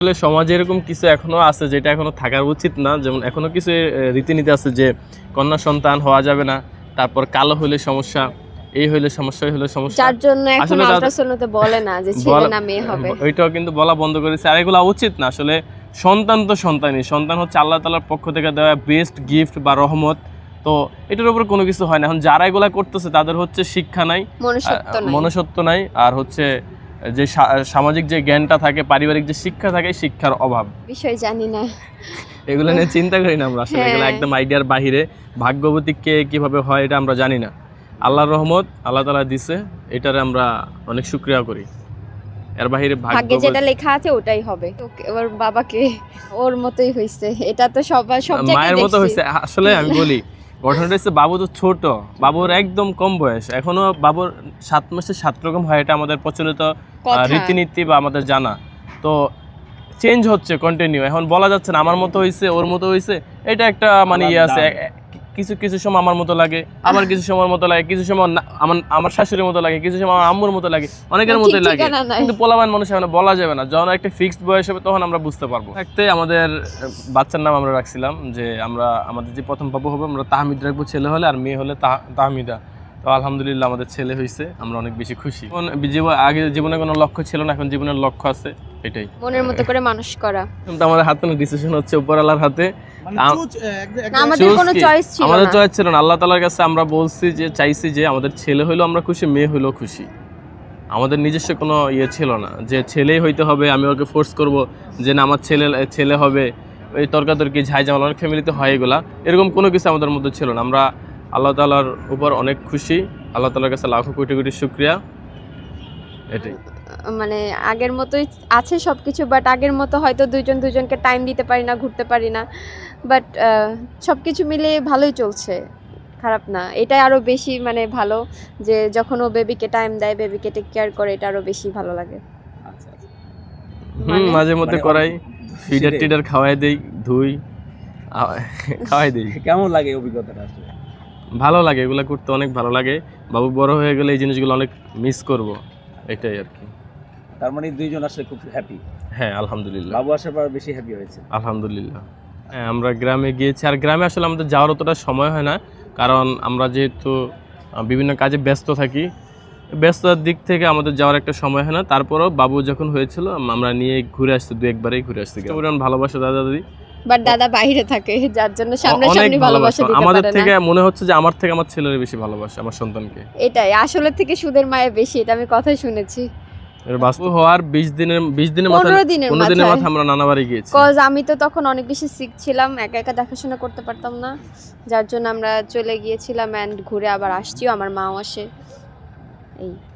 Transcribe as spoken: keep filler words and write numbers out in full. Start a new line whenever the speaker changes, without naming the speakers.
আসলে সমাজে এরকম কিছু এখনো আছে যেটা এখনো থাকার উচিত না, যেমন এখনো কিছু রীতিনীতি আছে যে কন্যা সন্তান হওয়া যাবে না, তারপর কালো হইলে সমস্যা, এই হইলে সমস্যা, এই হইলে সমস্যা,
যার জন্য এখন আল্ট্রাসাউন্ডে বলে না যে ছেলে না মেয়ে হবে,
ওইটাও কিন্তু বলা বন্ধ করেছে। আর এগুলো উচিত না আসলে। সন্তান তো সন্তানই, সন্তান হচ্ছে আল্লাহ তাআলার পক্ষ থেকে দেওয়া বেস্ট গিফট বা রহমত। তো এটার উপর কোনো কিছু হয় না। এখন যারা এগুলা করতেছে তাদের হচ্ছে শিক্ষা নাই, মনুষ্যত্ব নাই, আর হচ্ছে যে সামাজিক যে জ্ঞানটা থাকে, পারিবারিক যে শিক্ষা থাকে, শিক্ষার অভাব।
বিষয় জানি না,
এগুলো নিয়ে চিন্তা করি না আমরা আসলে। এগুলো একদম আইডিয়ার বাহিরে। ভাগ্যবতী কে কিভাবে হয় এটা আমরা জানি না। আল্লাহর রহমত আল্লাহ তাআলা দিছে, এটারে আমরা অনেক শুকরিয়া করি। এর বাহিরে
ভাগ্যে যেটা লেখা আছে ওটাই হবে। ওর বাবাকে ওর মতোই হইছে, এটা তো সবাই সব জায়গায়
মায়ের মতো হইছে। আসলে আমি বলি ঘটনাটা হচ্ছে বাবু তো ছোট, বাবুর একদম কম বয়স, এখনো বাবুর সাত মাসে সাত রকম হয়, এটা আমাদের প্রচলিত রীতিনীতি বা আমাদের জানা। তো চেঞ্জ হচ্ছে কন্টিনিউ। এখন বলা যাচ্ছে না আমার মতো হইছে ওর মতো হইছে, এটা একটা মানে ইয়ে আছে। কিছু কিছু সময় আমার মতো লাগে, আবার কিছু সময় মতো লাগে, কিছু সময় আমার আমার শাশুড়ির মতো লাগে, কিছু সময় আমার আম্মুর মতো লাগে, অনেকের মতোই লাগে। কিন্তু পোলাবান মানুষ এখন বলা যাবে না। যখন একটা ফিক্সড বয়স হবে তখন আমরা বুঝতে পারবো। থাকতে আমাদের বাচ্চার নাম আমরা রাখছিলাম যে আমরা আমাদের যে প্রথম বাবু হবে আমরা তাহমিদ রাখবো ছেলে হলে, আর মেয়ে হলে তাহমিদা। তো আলহামদুলিল্লাহ আমাদের ছেলে হয়েছে, আমরা অনেক বেশি খুশি। আগে জীবনে কোনো লক্ষ্য ছিল না, এখন জীবনের লক্ষ্য আছে, এটাই
মনের মতো করে মানুষ করা।
কিন্তু আমাদের হাতে না, ডিসিশন হচ্ছে উপর আল্লাহর হাতে।
আমাদের কোনো চয়েস ছিল না,
আমাদের চয়েস ছিল না। আল্লাহ তাআলার কাছে আমরা বলছি যে চাইছি যে আমাদের ছেলে হইলো আমরা খুশি, মেয়ে হইলো খুশি। আমাদের নিজস্ব কোনো ইয়ে ছিল না যে ছেলেই হইতে হবে, আমি ওকে ফোর্স করব যে না আমার ছেলে ছেলে হবে। এই তর্কাতর্কি ঝাই ঝামেলা অনেক ফ্যামিলিতে হয়, এগুলা এরকম কোনো কিছু আমাদের মধ্যে ছিল না। আমরা আল্লাহ তাআলার উপর অনেক খুশি, আল্লাহ তাআলার কাছে লাখো কোটি কোটি শুকরিয়া। এটাই
মানে আগের মতোই আছে সবকিছু, বাট আগের মতো হয়তো দুইজন দুইজনকে টাইম দিতে পারি না, ঘুরতে পারি না, বাট সবকিছু মিলে ভালোই চলছে, খারাপ না। এটাই আরো বেশি মানে ভালো যে যখন ও বেবিকে টাইম দেয়, বেবিকে টেক কেয়ার করে, এটা আরো বেশি ভালো লাগে।
আচ্ছা আচ্ছা,
হুম, মাঝে মধ্যে করাই, ফিডার টিডার খাওয়াই দেই, ধুই খাওয়াই দেই।
কেমন লাগে অভিজ্ঞতাটা? আসলে
ভালো লাগে, এগুলো করতে অনেক ভালো লাগে। বাবু বড় হয়ে গেলে এই জিনিসগুলো অনেক মিস করব, এটাই আর কি।
তার মানে দুইজন আসলে খুব হ্যাপি?
হ্যাঁ আলহামদুলিল্লাহ,
বাবু আসার পর বেশি হ্যাপি হয়েছে
আলহামদুলিল্লাহ। হ্যাঁ আমরা গ্রামে গিয়েছি, আর গ্রামে আসলে আমাদের যাওয়ার অতটা সময় হয় না, কারণ আমরা যেহেতু বিভিন্ন কাজে ব্যস্ত থাকি, ব্যস্ততার দিক থেকে আমাদের যাওয়ার একটা সময় হয় না। তারপরেও বাবু যখন হয়েছিল আমরা নিয়ে ঘুরে আসছি, দু একবারই ঘুরে আসছি। ভালোবাসা দাদা দাদি,
বাট দাদা বাইরে থাকে যার জন্য সামনাসামনি ভালোবাসা দিতে পারে না।
আমাদের থেকে মনে হচ্ছে যে আমার থেকে আমার ছেলের বেশি ভালোবাসে আমার সন্তানকে।
এটাই আসলে থেকে সুদের মায়া বেশি, এটা আমি কথাই শুনেছি।
এর বাস্তব হওয়ার বিশ দিনের বিশ দিনের মাথায় পনেরো দিনের মাথায় আমরা নানা বাড়ি গিয়েছি।
কজ আমি তো তখন অনেক বেশি সিক ছিলাম, একা একা দেখাশোনা করতে পারতাম না, যার জন্য আমরা চলে গিয়েছিলাম এন্ড ঘুরে আবার আসছিও, আমার মাও আসে, এই